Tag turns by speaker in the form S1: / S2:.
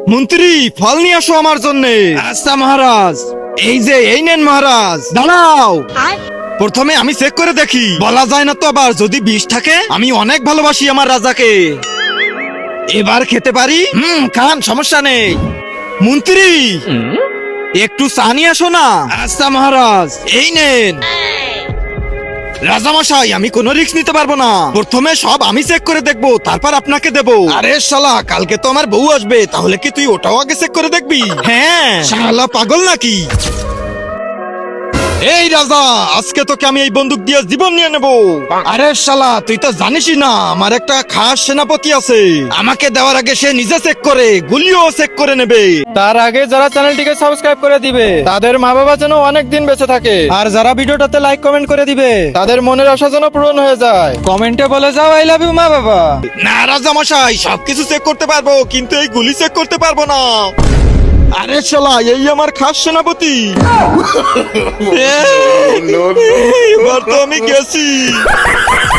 S1: মন্ত্রী ফল নিয়ে আসো আমার জন্য। আচ্ছা মহারাজ, এই নেন মহারাজ। দাঁড়াও, প্রথমে আমি চেক করে দেখি, বলা যায় না তো আবার, যদি বিষ থাকে। আমি অনেক ভালোবাসি আমার রাজাকে। এবার খেতে পারি? খান, সমস্যা নেই। মন্ত্রী একটু চা নিয়ে আসো না। আচ্ছা মহারাজ, এই নেন। রাজামশাই, আমি কোনো রিস্ক নিতে পারবো না। প্রথমে সব আমি চেক করে দেখবো, তারপর আপনাকে দেবো। আরে শালা, কালকে তো আমার বউ আসবে, তাহলে কি তুই ওটাও আগে চেক করে দেখবি? হ্যাঁ, শালা পাগল নাকি? এই রাজা, আজকে তোকে আমি এই বন্দুক দিয়ে জীবন নিয়ে নেব। আরে শালা, তুই তো জানিসই না আমার একটা খাস সেনাপতি আছে। আমাকে দেওয়ার আগে সে নিজে চেক করে, গুলিও চেক করে নেবে।
S2: তার আগে যারা চ্যানেলটিকে সাবস্ক্রাইব করে দিবে তাদের মা বাবা যেন অনেক দিন বেঁচে থাকে, আর যারা ভিডিওটাতে লাইক কমেন্ট করে দিবে তাদের মনের আশা যেন পূরণ হয়ে যায়। কমেন্টে বলে যাও আই লাভ ইউ মা বাবা।
S1: না রাজা মশাই, সবকিছু চেক করতে পারবো, কিন্তু এই গুলি চেক করতে পারবো না। আরে শালা, এই আমার খাস সেনাপতি। এবার তো আমি গেছি।